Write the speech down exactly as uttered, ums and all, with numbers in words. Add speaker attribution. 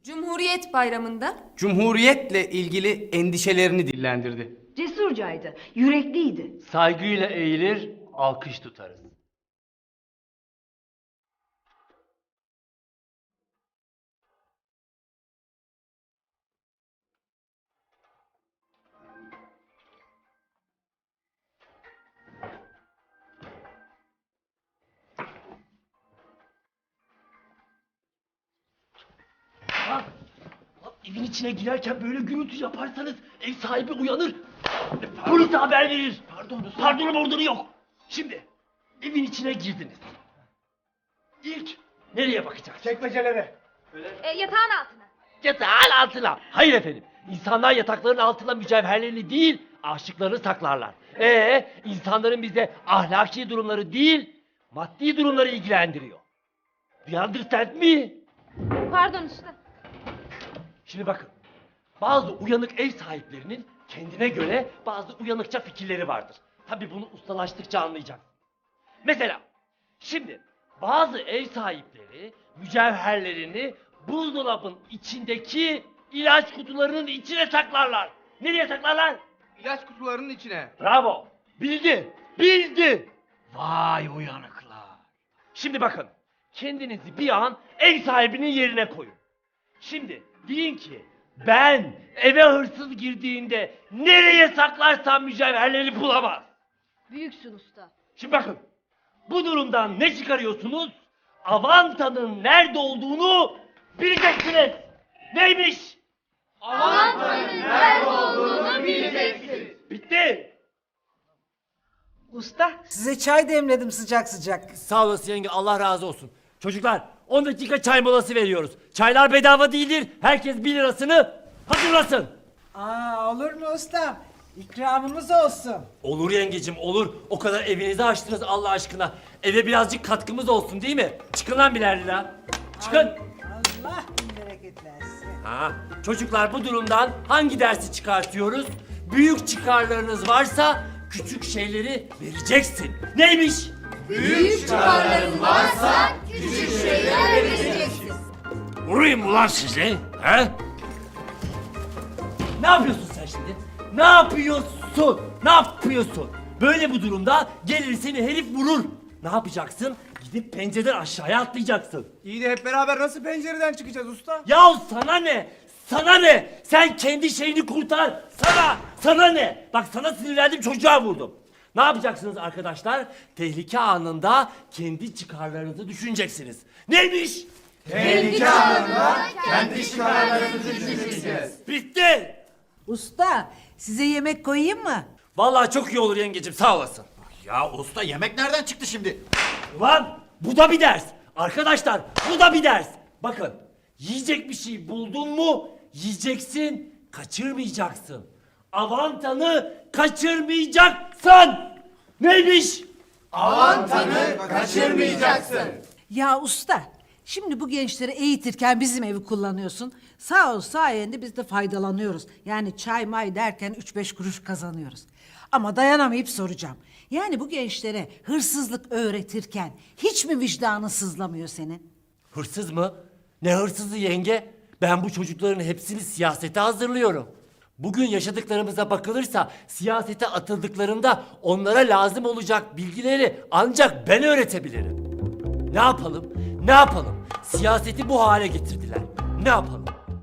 Speaker 1: Cumhuriyet Bayramı'nda
Speaker 2: Cumhuriyetle ilgili endişelerini dillendirdi.
Speaker 3: Cesurcaydı, yürekliydi.
Speaker 4: Saygıyla eğilir, alkış tutarız. Lan, lan evin içine girerken böyle gürültü yaparsanız ev sahibi uyanır. Polise haber verir. Pardon, pardonu mordonu yok. Şimdi evin içine girdiniz. İlk nereye bakacaksınız?
Speaker 2: Çekmecelere.
Speaker 5: E, yatağın altına.
Speaker 4: Yatağın altına. Hayır efendim. İnsanlar yatakların altına mücevherlerini değil, aşıklarını saklarlar. Ee, insanların bize ahlaki durumları değil, maddi durumları ilgilendiriyor. Do you understand me?
Speaker 5: Pardon usta.
Speaker 4: Şimdi bakın. Bazı uyanık ev sahiplerinin kendine göre bazı uyanıkça fikirleri vardır. Tabii bunu ustalaştıkça anlayacaksın. Mesela şimdi bazı ev sahipleri mücevherlerini buzdolabın içindeki ilaç kutularının içine saklarlar. Nereye saklarlar?
Speaker 2: İlaç kutularının içine.
Speaker 4: Bravo. Bildi. Bildi. Vay uyanıklar. Şimdi bakın. Kendinizi bir an ev sahibinin yerine koyun. Şimdi deyin ki ben eve hırsız girdiğinde nereye saklarsam mücevherleri bulamaz.
Speaker 5: Büyüksün usta.
Speaker 4: Şimdi bakın. Bu durumdan ne çıkarıyorsunuz? Avanta'nın nerede olduğunu bileceksiniz. Neymiş?
Speaker 5: Avanta'nın nerede olduğunu bileceksin.
Speaker 4: Bitti.
Speaker 6: Usta, size çay demledim sıcak sıcak.
Speaker 4: Sağ olasın yenge, Allah razı olsun. Çocuklar on dakika çay molası veriyoruz. Çaylar bedava değildir. Herkes bir lirasını hazırlasın.
Speaker 6: Aa, olur mu usta? İkramımız olsun.
Speaker 4: Olur yengecim olur. O kadar evinizi açtınız Allah aşkına. Eve birazcık katkımız olsun değil mi? Çıkın lan birer lira. Çıkın.
Speaker 6: Allah bin bereket versin.
Speaker 4: Ha, çocuklar bu durumdan hangi dersi çıkartıyoruz? Büyük çıkarlarınız varsa küçük şeyleri vereceksin. Neymiş?
Speaker 1: büyük çıkarların varsa küçük şeyler vereceksin.
Speaker 4: Vurayım ulan sizi. He? Ne yapıyorsun sen şimdi? Ne yapıyorsun? Ne yapıyorsun? Böyle bu durumda gelir seni herif vurur. Ne yapacaksın? Gidip pencereden aşağıya atlayacaksın.
Speaker 2: İyi de hep beraber nasıl pencereden çıkacağız usta?
Speaker 4: Yahu sana ne? Sana ne? Sen kendi şeyini kurtar. Sana, sana ne? Bak sana sinirlendim çocuğa vurdum. Ne yapacaksınız arkadaşlar? Tehlike anında kendi çıkarlarınızı düşüneceksiniz. Neymiş?
Speaker 2: Tehlike anında kendi çıkarlarımızı düşüneceğiz.
Speaker 4: Bitti.
Speaker 6: Usta, size yemek koyayım mı?
Speaker 4: Vallahi çok iyi olur yengecim sağ olasın.
Speaker 7: Ya usta yemek nereden çıktı şimdi?
Speaker 4: Ulan bu da bir ders. Arkadaşlar bu da bir ders. Bakın yiyecek bir şey buldun mu yiyeceksin, kaçırmayacaksın. Avantanı kaçırmayacaksın. Neymiş?
Speaker 2: Avantanı kaçırmayacaksın.
Speaker 6: Ya usta, şimdi bu gençleri eğitirken bizim evi kullanıyorsun. Sağ ol sayende biz de faydalanıyoruz. Yani çay may derken üç beş kuruş kazanıyoruz. Ama dayanamayıp soracağım. Yani bu gençlere hırsızlık öğretirken hiç mi vicdanın sızlamıyor senin?
Speaker 4: Hırsız mı? Ne hırsızı yenge? Ben bu çocukların hepsini siyasete hazırlıyorum. Bugün yaşadıklarımıza bakılırsa siyasete atıldıklarında onlara lazım olacak bilgileri ancak ben öğretebilirim. Ne yapalım? Ne yapalım? Siyaseti bu hale getirdiler. Ne yapalım?